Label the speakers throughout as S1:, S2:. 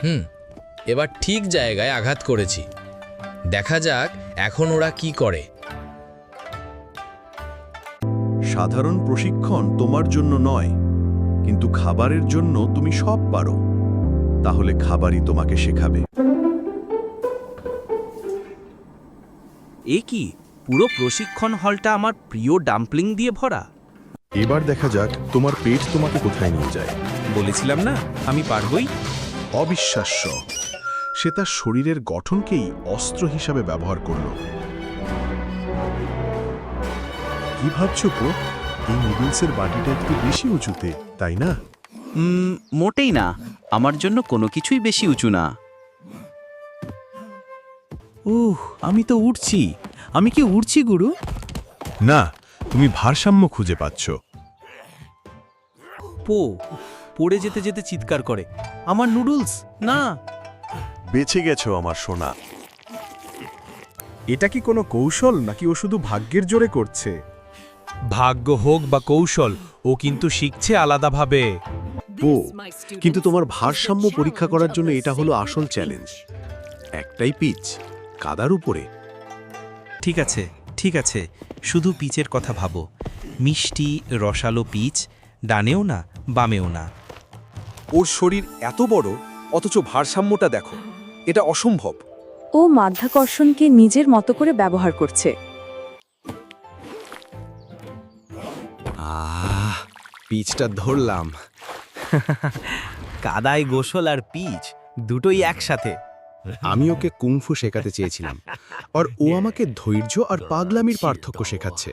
S1: এবার ঠিক জায়গায় আঘাত করেছি। দেখা যাক এখন ওরা কি করে।
S2: সাধারণ প্রশিক্ষণ তোমার জন্য নয়, কিন্তু খাবারের জন্য তুমি সব পারো। তাহলে খাবারই তোমাকে শেখাবে।
S3: এ কি, পুরো প্রশিক্ষণ হলটা আমার প্রিয় ডাম্পলিং দিয়ে ভরা।
S2: এবার দেখা যাক তোমার পেট তোমাকে কোথায় নিয়ে যায়।
S3: বলেছিলাম না আমি পারবই।
S2: অবিশ্বাস্য, সে তার শরীরের গঠনকেই অস্ত্র হিসাবে ব্যবহার করল। কি ভাবছো গো? এই নুডলসের বাটিটা একটু বেশি উঁচুতে, তাই না?
S3: মোটেই না, আমার জন্য কোনো কিছুই বেশি উঁচু না। আমি তো উঠছি। আমি কি উঠছি গুরু?
S2: না, তুমি ভারসাম্য খুঁজে পাচ্ছ।
S3: পড়ে যেতে যেতে চিৎকার করে, আমার নুডলস না।
S2: বেঁচে গেছো আমার সোনা। এটা কি কোনো কৌশল, নাকি ও শুধু ভাগ্যের জোরে করছে?
S4: ভাগ্য হোক বা কৌশল, ও কিন্তু শিখছে আলাদাভাবে।
S2: ও, কিন্তু তোমার ভারসাম্য পরীক্ষা করার জন্য এটা হলো আসল চ্যালেঞ্জ। একটাই পিচ, কাদার উপরে।
S3: ঠিক আছে, শুধু পিচের কথা ভাবো। মিষ্টি রসালো পিচ, ডানেও না বামেও না।
S5: ওর শরীর এত বড়, অথচ ভারসাম্যটা দেখো, এটা অসম্ভব।
S6: ও মাধ্যাকর্ষণকে নিজের মতো করে ব্যবহার করছে।
S5: পিচটা ধরলাম।
S3: কাদায় গোসল আর পিচ দুটোই একসাথে।
S2: আমি ওকে কুংফু শেখাতে চেয়েছিলাম, আর ও আমাকে ধৈর্য আর পাগলামির পার্থক্য শেখাচ্ছে।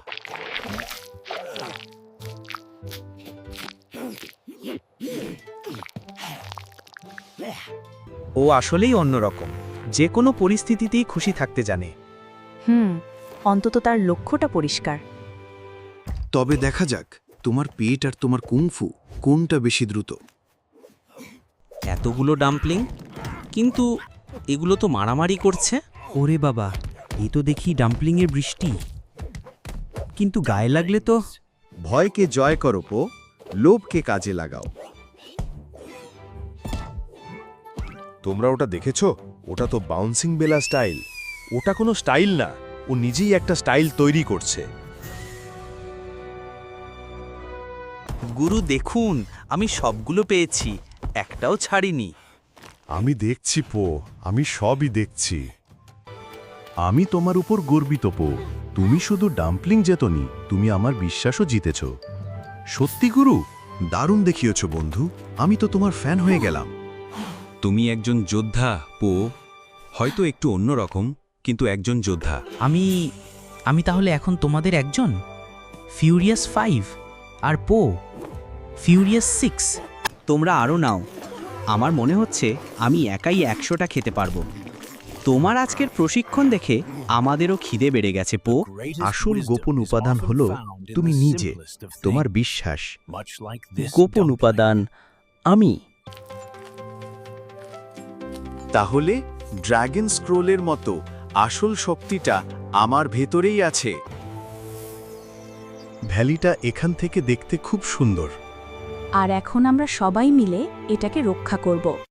S3: ও আসলেই অন্যরকম, যে কোনো পরিস্থিতিতেই খুশি থাকতে জানে।
S6: অন্তত তার লক্ষ্যটা পরিষ্কার।
S2: তবে দেখা যাক তোমার পেট আর তোমার কুংফু কোনটা বেশি দ্রুত।
S3: এতগুলো ডাম্পলিং, কিন্তু এগুলো তো মারামারি করছে। ওরে বাবা, এ তো দেখি ডাম্পলিংয়ের বৃষ্টি। কিন্তু গায়ে লাগলে তো।
S2: ভয়কে জয় করো পো, লোভকে কাজে লাগাও। তোমরা ওটা দেখেছো? ওটা তো বাউন্সিং বেলা স্টাইল। ওটা কোনো স্টাইল না, ও নিজেই একটা স্টাইল তৈরি করছে।
S3: গুরু দেখুন, আমি সবগুলো পেয়েছি, একটাও ছাড়িনি।
S2: আমি দেখছি পো, আমি সবই দেখছি। আমি তোমার উপর গর্বিত পো। তুমি শুধু ডাম্পলিং জেতনি, তুমি আমার বিশ্বাসও জিতেছ। সত্যি গুরু, দারুণ দেখিয়েছ বন্ধু। আমি তো তোমার ফ্যান হয়ে গেলাম।
S7: তুমি একজন যোদ্ধা পো, হয়তো একটু অন্যরকম, কিন্তু একজন যোদ্ধা।
S8: আমি তাহলে এখন তোমাদের একজন? ফিউরিয়াস 5 আর পো ফিউরিয়াস 6।
S3: তোমরা আরও নাও। আমার মনে হচ্ছে আমি একাই 100টা খেতে পারবো। তোমার আজকের প্রশিক্ষণ দেখে আমাদেরও খিদে বেড়ে গেছে পো।
S2: আসল গোপন উপাদান হলো তুমি নিজে, তোমার বিশ্বাস।
S3: গোপন উপাদান আমি।
S2: তাহলে ড্র্যাগন স্ক্রোলের মতো আসল শক্তিটা আমার ভেতরেই আছে। ভ্যালিটা এখান থেকে দেখতে খুব সুন্দর।
S6: আর এখন আমরা সবাই মিলে এটাকে রক্ষা করব।